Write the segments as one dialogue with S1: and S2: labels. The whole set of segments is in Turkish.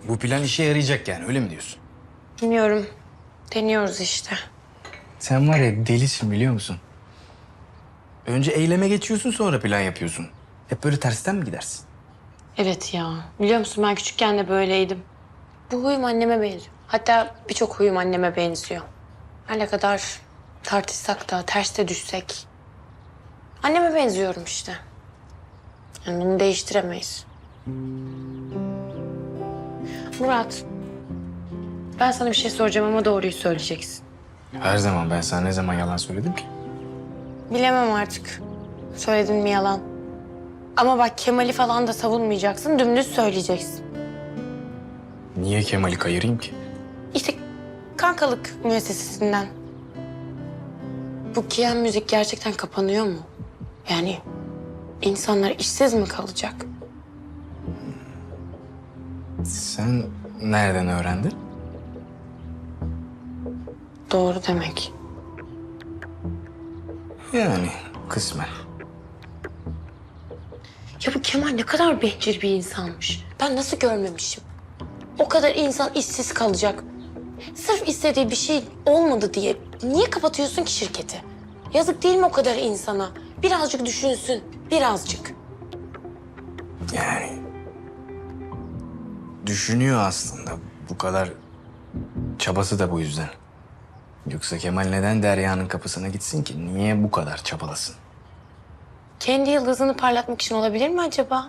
S1: Bu plan işe yarayacak yani, öyle mi diyorsun?
S2: Bilmiyorum. Deniyoruz işte.
S1: Sen var ya delisin, biliyor musun? Önce eyleme geçiyorsun, sonra plan yapıyorsun. Hep böyle tersten mi gidersin?
S2: Evet ya. Biliyor musun ben küçükken de böyleydim. Bu huyum anneme benziyor. Hatta birçok huyum anneme benziyor. Her ne kadar tartışsak da, ters de düşsek. Anneme benziyorum işte. Yani bunu değiştiremeyiz. Murat, ben sana bir şey soracağım ama doğruyu söyleyeceksin.
S1: Her zaman ben sana ne zaman yalan söyledim ki?
S2: Bilemem artık. Söyledin mi yalan? Ama bak Kemal'i falan da savunmayacaksın, dümdüz söyleyeceksin.
S1: Niye Kemal'i kayırayım ki?
S2: İşte kankalık müessesesinden. Bu Kiyen müzik gerçekten kapanıyor mu? Yani insanlar işsiz mi kalacak?
S1: Sen nereden öğrendin?
S2: Doğru demek.
S1: Yani kısmen.
S2: Ya bu Kemal ne kadar bencil bir insanmış. Ben nasıl görmemişim? O kadar insan işsiz kalacak. Sırf istediği bir şey olmadı diye niye kapatıyorsun ki şirketi? Yazık değil mi o kadar insana? Birazcık düşünsün, birazcık.
S1: Yani düşünüyor aslında. Bu kadar çabası da bu yüzden. Yoksa Kemal neden Derya'nın kapısına gitsin ki? Niye bu kadar çabalasın?
S2: Kendi yıldızını parlatmak için olabilir mi acaba?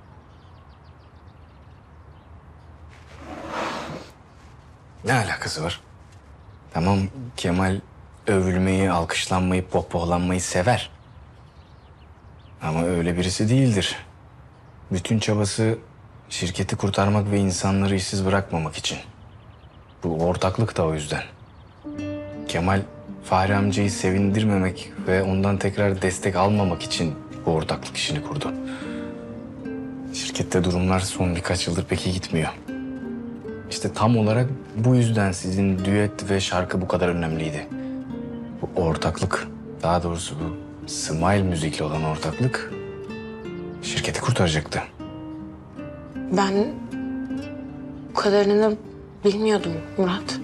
S1: Ne alakası var? Tamam, Kemal övülmeyi, alkışlanmayı, pohpohlanmayı sever. Ama öyle birisi değildir. Bütün çabası şirketi kurtarmak ve insanları işsiz bırakmamak için. Bu ortaklık da o yüzden. Kemal Fahri amcayı sevindirmemek ve ondan tekrar destek almamak için bu ortaklık işini kurdu. Şirkette durumlar son birkaç yıldır pek iyi gitmiyor. İşte tam olarak bu yüzden sizin düet ve şarkı bu kadar önemliydi. Bu ortaklık, daha doğrusu bu Smile müzikle olan ortaklık şirketi kurtaracaktı.
S2: Ben bu kadarını bilmiyordum Murat.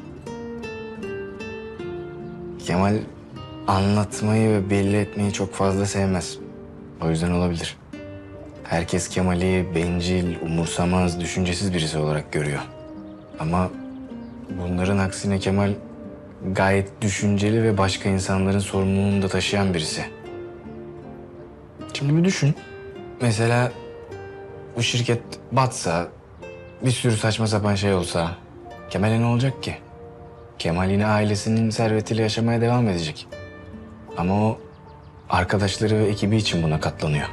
S1: Kemal anlatmayı ve belli etmeyi çok fazla sevmez. O yüzden olabilir. Herkes Kemal'i bencil, umursamaz, düşüncesiz birisi olarak görüyor. Ama bunların aksine Kemal gayet düşünceli ve başka insanların sorumluluğunu da taşıyan birisi. Şimdi bir düşün. Mesela bu şirket batsa, bir sürü saçma sapan şey olsa Kemal'e ne olacak ki? Kemal yine ailesinin servetiyle yaşamaya devam edecek. Ama o arkadaşları ve ekibi için buna katlanıyor.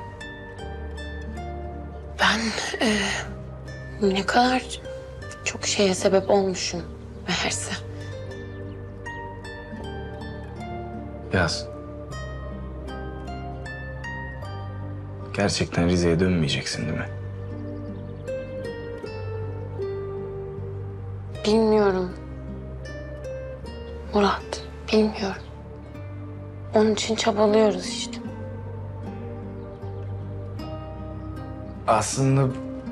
S2: Ben ne kadar çok şeye sebep olmuşum meğerse.
S1: Yaz. Gerçekten Rize'ye dönmeyeceksin değil mi?
S2: Bilmiyorum. Murat, bilmiyorum. Onun için çabalıyoruz işte.
S1: Aslında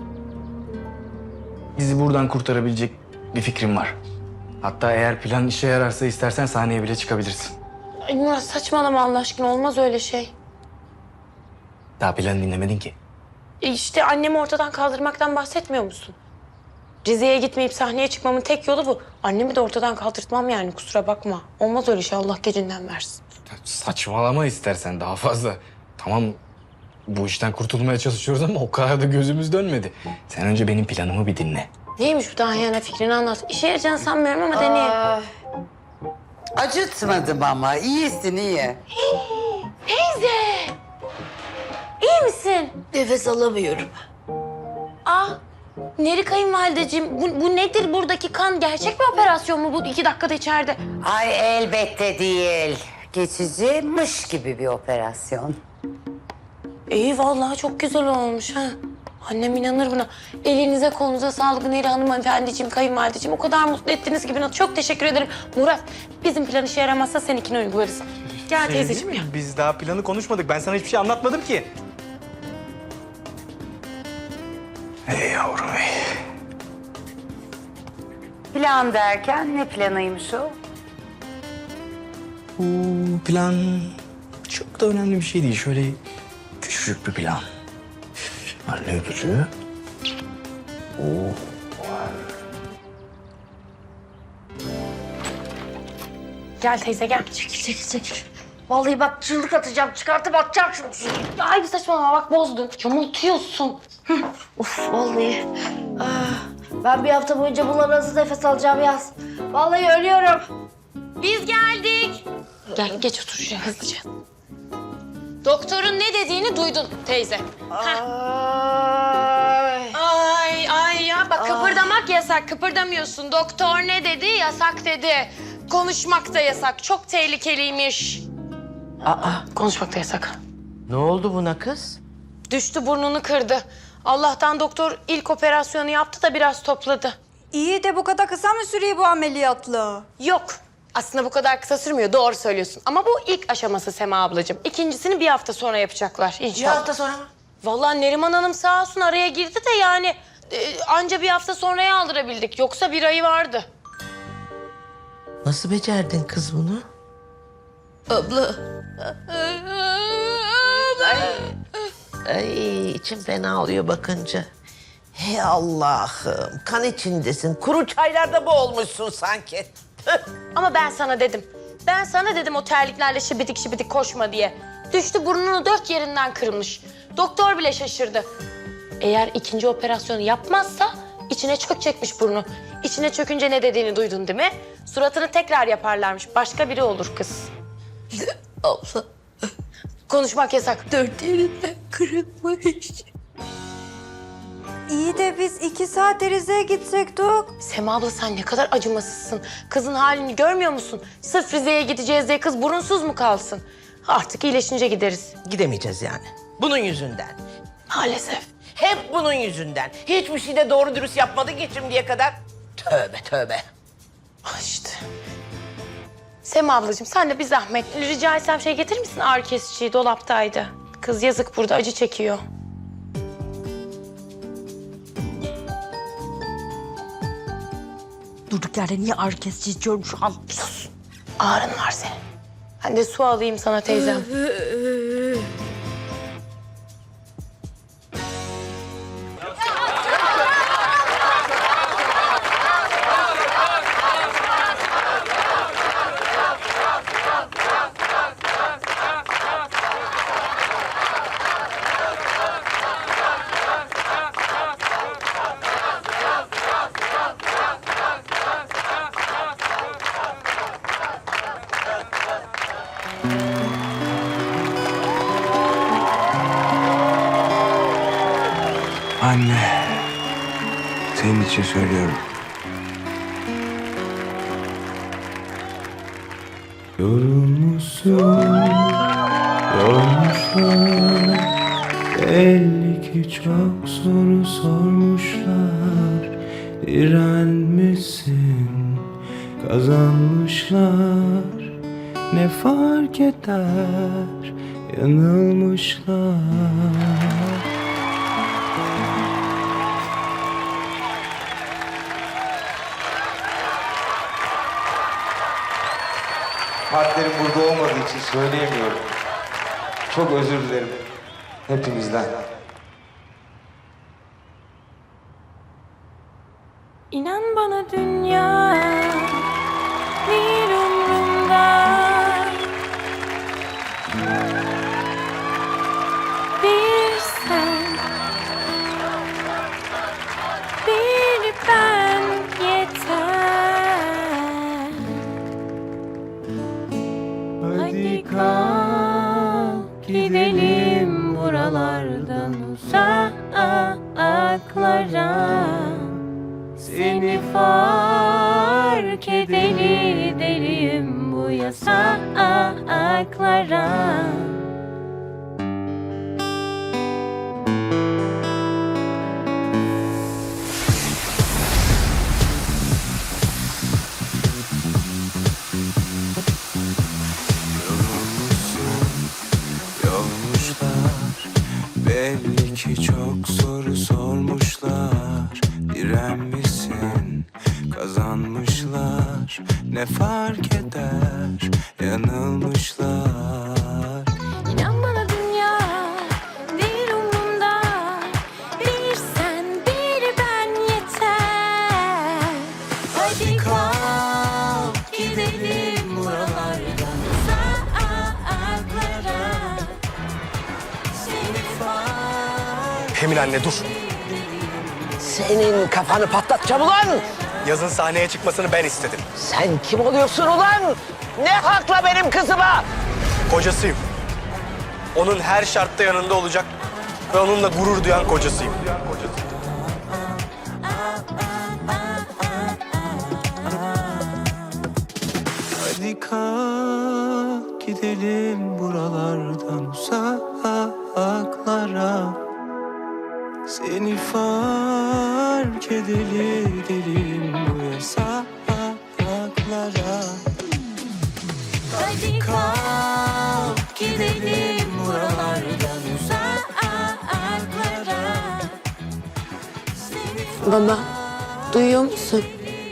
S1: bizi buradan kurtarabilecek bir fikrim var. Hatta eğer plan işe yararsa istersen sahneye bile çıkabilirsin.
S2: Ay Murat saçmalama Allah aşkına olmaz öyle şey.
S1: Daha planı dinlemedin ki.
S2: İşte annemi ortadan kaldırmaktan bahsetmiyor musun? Rize'ye gitmeyip sahneye çıkmamın tek yolu bu. Annemi de ortadan kaldırtmam yani kusura bakma. Olmaz öyle şey Allah gecinden versin.
S1: Saçmalama istersen daha fazla. Tamam, bu işten kurtulmaya çalışıyoruz ama o kadar da gözümüz dönmedi. Sen önce benim planımı bir dinle.
S2: Neymiş bu daha yani fikrini anlat. İşe yarayacağını sanmıyorum ama deneyelim.
S3: Acıtmadım ama. İyisin iyi.
S2: Teyze! İyi misin?
S4: Nefes alamıyorum.
S2: Neri kayınvalideciğim bu nedir buradaki kan? Gerçek bir operasyon mu bu 2 dakikada içeride?
S3: Ay elbette değil. Geçici mış gibi bir operasyon.
S2: İyi vallahi çok güzel olmuş ha. Annem inanır buna. Elinize kolunuza sağlık Neri hanımefendiciğim, kayınvalideciğim. O kadar mutlu ettiniz ki bana. Çok teşekkür ederim. Murat, bizim plan işe yaramazsa seninkini uygularız. Gel teyzeciğim ya.
S5: Biz daha planı konuşmadık. Ben sana hiçbir şey anlatmadım ki.
S1: Ey yavrum ey.
S3: Plan derken ne planıymış o?
S1: Bu plan çok da önemli bir şey değil. Şöyle küçücük bir plan. Anne öpücüğü.
S2: Gel teyze gel.
S4: Çekil. Vallahi bak çığlık atacağım, çıkartıp atacağım şunu.
S2: Ya ay bir saçmalama bak bozdun. Yamultuyorsun.
S4: Of vallahi. Ben bir hafta boyunca bunlar nasıl nefes alacağım yaz. Vallahi ölüyorum.
S2: Biz geldik. Gel geç otur şuraya hızlıca. Doktorun ne dediğini duydun teyze. Ay ya bak kıpırdamak yasak. Kıpırdamıyorsun. Doktor ne dedi? Yasak dedi. Konuşmak da yasak. Çok tehlikeliymiş. Konuşmak da yasak.
S6: Ne oldu buna kız?
S2: Düştü burnunu kırdı. Allah'tan doktor ilk operasyonu yaptı da biraz topladı.
S7: İyi de bu kadar kısa mı sürüyor bu ameliyatla?
S2: Yok. Aslında bu kadar kısa sürmüyor. Doğru söylüyorsun. Ama bu ilk aşaması Sema ablacığım. İkincisini bir hafta sonra yapacaklar inşallah.
S6: Bir hafta sonra mı?
S2: Vallahi Neriman Hanım sağ olsun araya girdi de yani anca bir hafta sonraya aldırabildik. Yoksa bir ayı vardı.
S6: Nasıl becerdin kız bunu?
S2: Abla.
S6: Ay içim fena oluyor bakınca. Hey Allah'ım kan içindesin. Kuru çaylarda boğulmuşsun sanki. Tüh.
S2: Ama ben sana dedim. Ben sana dedim o terliklerle şibidik şibidik koşma diye. Düştü burnunu 4 yerinden kırmış. Doktor bile şaşırdı. Eğer ikinci operasyonu yapmazsa içine çökecekmiş burnu. İçine çökünce ne dediğini duydun değil mi? Suratını tekrar yaparlarmış. Başka biri olur kız.
S4: Abla
S2: Konuşmak yasak.
S4: 4 yerinden kırılmış.
S7: İyi de biz 2 saat Rize'ye gitsek Dok.
S2: Sema abla sen ne kadar acımasızsın. Kızın halini görmüyor musun? Sırf Rize'ye gideceğiz diye kız burunsuz mu kalsın? Artık iyileşince gideriz.
S6: Gidemeyeceğiz yani. Bunun yüzünden.
S2: Maalesef.
S6: Hep bunun yüzünden. Hiçbir şey de doğru dürüst yapmadı ki şimdiye kadar. Tövbe.
S2: İşte. Sema ablacığım sen de bir zahmet. Rica etsem şey getirir misin? Ağrı kesiciyi dolaptaydı. Kız yazık burada acı çekiyor.
S4: Durduk yerde niye ağrı kesici içiyorum şu an?
S2: Sus. Ağrın var senin. Ben de su alayım sana teyzem.
S8: Anne, senin için söylüyorum. Yorulmuşsun, yormuşlar. Belli ki çok soru sormuşlar. Direnmişsin, kazanmışlar. Ne fark eder, yanılmışlar.
S9: Partnerim burada olmadığı için söyleyemiyorum. Çok özür dilerim hepimizden.
S2: İnan bana dünya bir umrumda. Bir sen, bir ben yeter.
S8: Hadi kalk gidelim buralardan uzaklara. Seni fark edelim bu yasaklara. Yormuşlar, belli ki çok soru sormuşlar. Direnmişsin, kazanmışsın. ne fark eder yanılmışlar.
S2: İnan bana dünya değil umurumda. Bir sen bir ben yeter. Hadi kalk gidelim buralardan uzaklara. Seni fark
S5: Emin anne dur.
S6: Senin kafanı patlatacağım ulan!
S5: Yazın sahneye çıkmasını ben istedim.
S6: Sen kim oluyorsun ulan? Ne hakla benim kızıma?
S5: Kocasıyım. Onun her şartta yanında olacak ve onunla gurur duyan kocasıyım.
S8: Hadi kalk gidelim buralardan uzaklara. Seni fark edelim bu yasaklara.
S2: Hadi kalk gidelim buralardan uzaklara. Baba, duyuyor musun?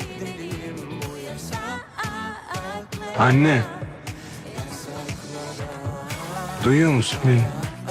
S8: Anne. Duyuyor musun beni?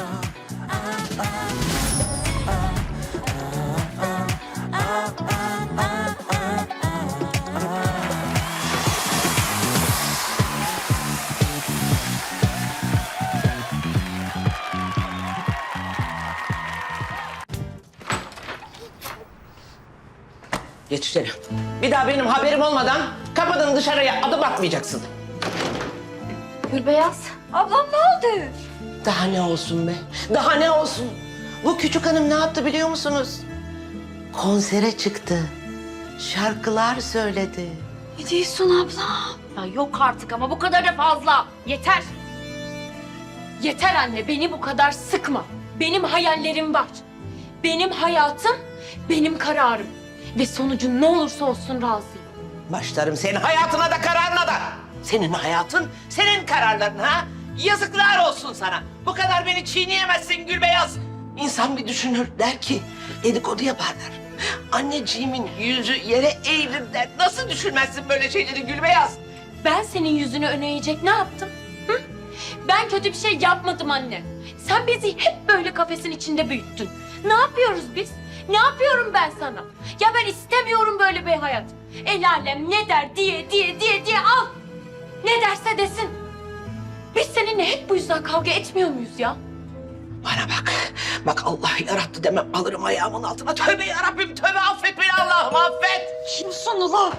S6: Geç içeri. Bir daha benim haberim olmadan kapıdan dışarıya adım atmayacaksın.
S4: Gülbeyaz.
S7: Ablam ne oldu?
S6: Daha ne olsun be? Daha ne olsun? Bu küçük hanım ne yaptı biliyor musunuz? Konsere çıktı. Şarkılar söyledi.
S4: Ne diyorsun abla? Ya yok artık ama bu kadar da fazla. Yeter.
S2: Yeter anne, beni bu kadar sıkma. Benim hayallerim var. Benim hayatım, benim kararım. Ve sonucu ne olursa olsun razıyım.
S6: Başlarım senin hayatına da kararına da. Senin hayatın, senin kararların ha? Yazıklar olsun sana. Bu kadar beni çiğneyemezsin Gülbeyaz. İnsan bir düşünür der ki dedikodu yaparlar. Anneciğimin yüzü yere eğilir der. Nasıl düşünmezsin böyle şeyleri Gülbeyaz?
S2: Ben senin yüzünü öne eğecek ne yaptım? Hı? Ben kötü bir şey yapmadım anne. Sen bizi hep böyle kafesin içinde büyüttün. Ne yapıyoruz biz? Ne yapıyorum ben sana? Ya ben istemiyorum böyle bir hayat. El alem ne der diye al. Ne derse desin. Biz seninle hep bu yüzden kavga etmiyor muyuz ya?
S6: Bana bak. Bak Allah yarattı demem alırım ayağımın altına. Tövbe yarabbim tövbe affet beni Allah'ım affet.
S7: Kimsin ula?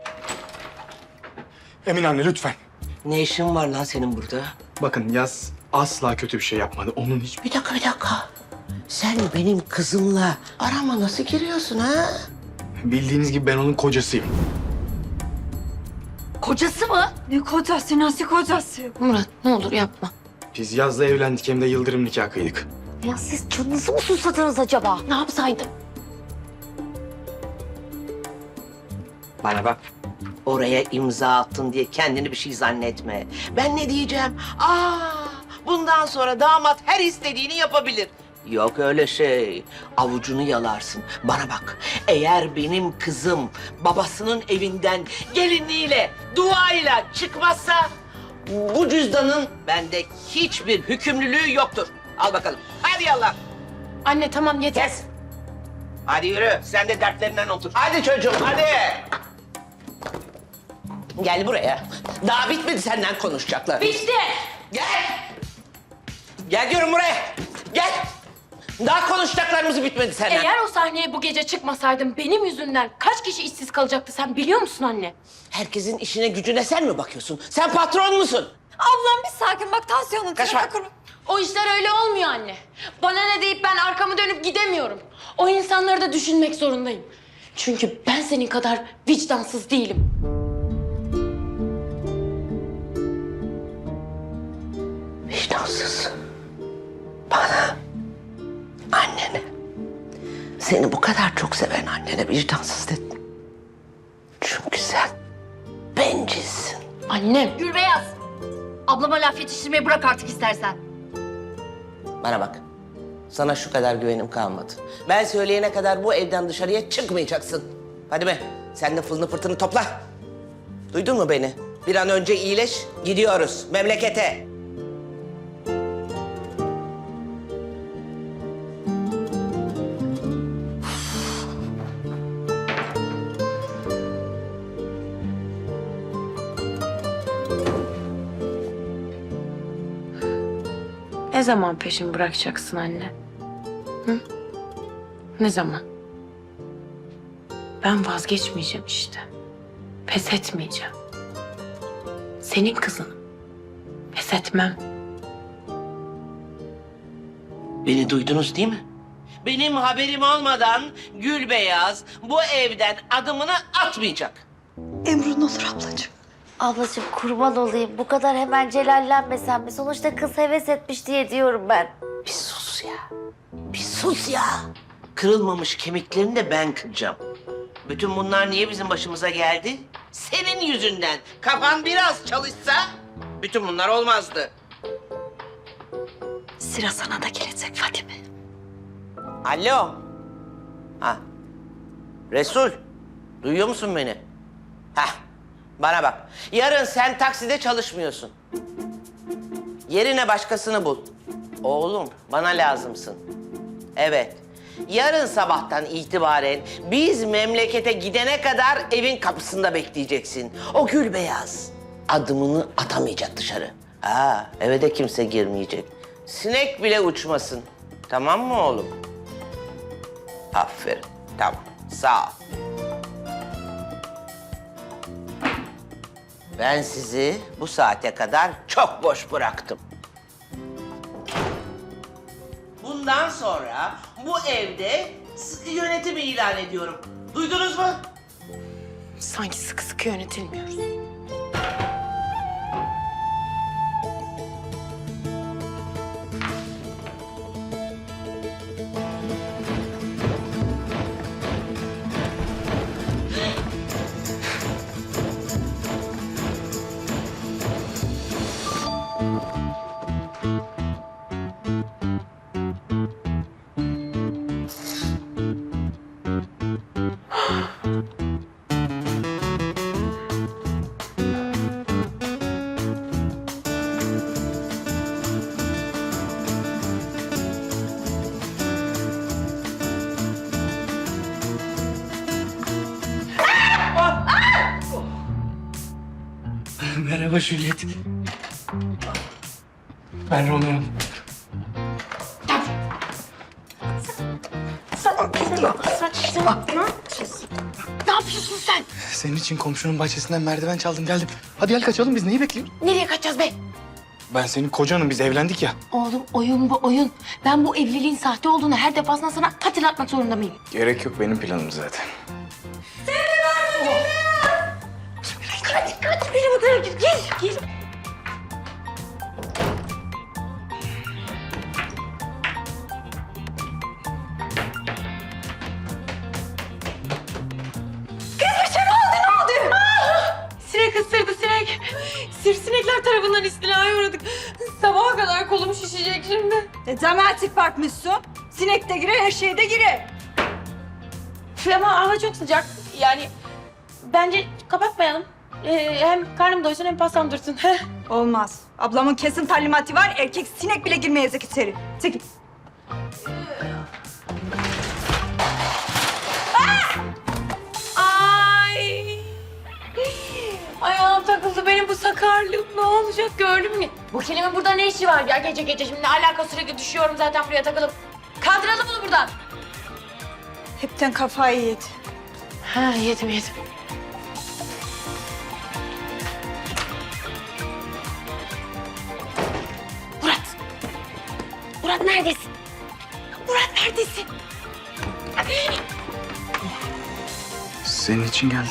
S5: Emin anne lütfen.
S6: Ne işin var lan senin burada?
S5: Bakın Yaz asla kötü bir şey yapmadı. Onun hiç...
S6: Bir dakika. Sen benim kızımla arama nasıl giriyorsun ha?
S5: Bildiğiniz gibi ben onun kocasıyım.
S4: Kocası mı?
S7: Ne kocası, nasıl kocası?
S2: Murat ne olur yapma.
S5: Biz Yaz'la evlendik hem de yıldırım nikah kıydık.
S4: Ya siz canınızı mı susadınız acaba?
S2: Ne yapsaydım?
S6: Bana bak. Oraya imza attın diye kendini bir şey zannetme. Ben ne diyeceğim? Bundan sonra damat her istediğini yapabilir. Yok öyle şey. Avucunu yalarsın. Bana bak. Eğer benim kızım babasının evinden gelinliğiyle, duayla çıkmazsa bu cüzdanın bende hiçbir hükümlülüğü yoktur. Al bakalım. Hadi yallah.
S2: Anne tamam yeter.
S6: Kes. Hadi yürü. Sen de dertlerinden otur. Hadi çocuğum hadi. Gel buraya. Daha bitmedi senden konuşacaklar.
S2: Bitti.
S6: Gel. Gel diyorum buraya. Gel. Daha konuşacaklarımız bitmedi senden.
S2: Eğer o sahneye bu gece çıkmasaydım benim yüzümden kaç kişi işsiz kalacaktı sen biliyor musun anne?
S6: Herkesin işine gücüne sen mi bakıyorsun? Sen patron musun?
S7: Ablam bir sakin bak, tansiyonun
S6: Kaçma.
S7: tırnak kuru.
S2: O işler öyle olmuyor anne. Bana ne deyip ben arkamı dönüp gidemiyorum. O insanları da düşünmek zorundayım. Çünkü ben senin kadar vicdansız değilim.
S6: Vicdansız. Bana. Annene. Seni bu kadar çok seven annene vicdansız dedim. Çünkü sen bencilsin.
S2: Annem.
S4: Gülbeyaz. Ablama laf yetiştirmeyi bırak artık istersen.
S6: Bana bak. Sana şu kadar güvenim kalmadı. Ben söyleyene kadar bu evden dışarıya çıkmayacaksın. Hadi be. Sen de fılını fırtını topla. Duydun mu beni? Bir an önce iyileş, gidiyoruz memlekete.
S2: Ne zaman peşimi bırakacaksın anne? Hı? Ne zaman? Ben vazgeçmeyeceğim işte. Pes etmeyeceğim. Senin kızın. Pes etmem.
S6: Beni duydunuz değil mi? Benim haberim olmadan Gülbeyaz bu evden adımını atmayacak.
S7: Emrun olur ablacığım.
S4: Ablacığım kurban olayım. Bu kadar hemen celallenmesen mi? Sonuçta kız heves etmiş diye diyorum ben.
S6: Bir sus ya. Bir sus ya. Kırılmamış kemiklerini de ben kıracağım. Bütün bunlar niye bizim başımıza geldi? Senin yüzünden. Kafan biraz çalışsa bütün bunlar olmazdı.
S7: Sıra sana da gelecek Fadime.
S6: Alo. Ha. Resul. Duyuyor musun beni? Hah. Bana bak. Yarın sen takside çalışmıyorsun. Yerine başkasını bul. Oğlum bana lazımsın. Evet. Yarın sabahtan itibaren biz memlekete gidene kadar evin kapısında bekleyeceksin. O Gülbeyaz adımını atamayacak dışarı. Ha, eve de kimse girmeyecek. Sinek bile uçmasın. Tamam mı oğlum? Aferin. Tamam. Sağ ol. Ben sizi bu saate kadar çok boş bıraktım. Bundan sonra bu evde sıkı yönetim ilan ediyorum. Duydunuz mu?
S2: Sanki sıkı sıkı yönetilmiyoruz.
S1: Merhaba Juliet. Ben Romeo.
S2: Ne yapıyorsun sen?
S1: Senin için komşunun bahçesinden merdiven çaldım geldim. Hadi gel kaçalım, biz neyi bekliyoruz?
S2: Nereye kaçacağız be?
S1: Ben senin kocanım, biz evlendik ya.
S2: Oğlum oyun bu oyun. Ben bu evliliğin sahte olduğunu her defasında sana hatırlatmak zorunda mıyım?
S1: Gerek yok, benim planım zaten.
S2: Kaç benim odaya gir. Gir. Sinek ısırdı sinek. Sivrisinekler tarafından istilaya uğradık. Sabaha kadar kolum şişecek şimdi.
S7: Dramatik bakmışsın. Sinek de girer, her şey de girer.
S2: Ama hava çok sıcak. Yani bence kapatmayalım. Hem karnım doysun hem pastam dursun.
S7: Olmaz. Ablamın kesin talimatı var. Erkek sinek bile girmeyecek içeri. Çekil.
S2: Ay. Ayağım takıldı benim bu sakarlığım. Ne olacak gördün mü? Bu kelimenin burada ne işi var ya gece gece? Şimdi ne alaka, sürekli düşüyorum zaten buraya takılıp. Kaldıralım bunu buradan.
S7: Hepten kafayı yedi.
S2: Ha yedim. Murat neredesin? Murat neredesin?
S1: Senin için geldim.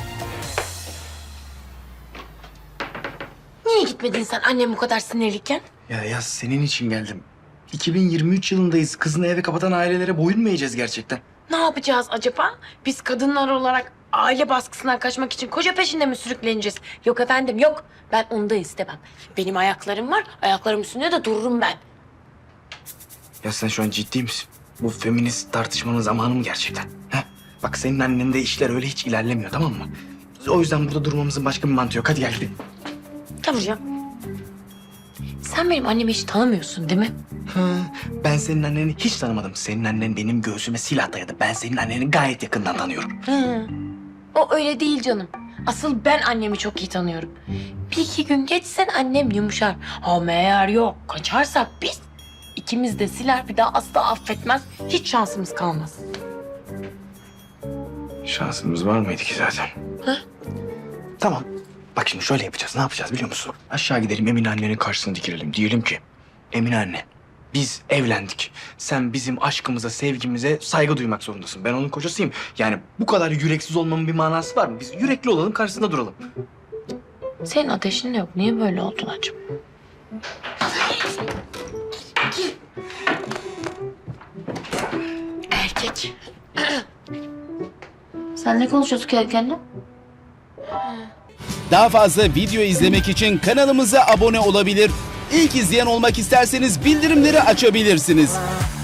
S2: Niye gitmedin sen annem bu kadar sinirliyken?
S1: Ya senin için geldim. 2023 yılındayız. Kızını eve kapatan ailelere boyun mu eğeceğiz gerçekten?
S2: Ne yapacağız acaba? Biz kadınlar olarak aile baskısından kaçmak için koca peşinde mi sürükleneceğiz? Yok efendim yok. Ben onu da istemem. Benim ayaklarım var. Ayaklarım üstünde de dururum ben.
S1: Ya sen şu an ciddi misin? Bu feminist tartışmanın zamanı mı gerçekten? Ha? Bak senin annende işler öyle hiç ilerlemiyor, tamam mı? O yüzden burada durmamızın başka bir mantığı yok. Hadi gel gidelim.
S2: Yavrucuğum. Sen benim annemi hiç tanımıyorsun değil mi?
S1: Ben senin anneni hiç tanımadım. Senin annen benim göğsüme silah dayadı. Ben senin anneni gayet yakından tanıyorum.
S2: O öyle değil canım. Asıl ben annemi çok iyi tanıyorum. Bir iki gün geçsen annem yumuşar. Ama eğer yok kaçarsak biz ikimiz de siler bir daha asla affetmez. Hiç şansımız kalmaz.
S1: Şansımız var mıydı ki zaten? Tamam. Bak şimdi şöyle yapacağız. Ne yapacağız biliyor musun? Aşağı gidelim Emine annenin karşısına dikilelim. Diyelim ki Emine anne biz evlendik. Sen bizim aşkımıza, sevgimize saygı duymak zorundasın. Ben onun kocasıyım. Yani bu kadar yüreksiz olmamın bir manası var mı? Biz yürekli olalım, karşısında duralım.
S2: Senin ateşin de yok. Niye böyle oldun acaba? Erkek.
S4: Sen ne konuşuyorsun kendi kendine?
S10: Daha fazla video izlemek için kanalımıza abone olabilir. İlk izleyen olmak isterseniz bildirimleri açabilirsiniz.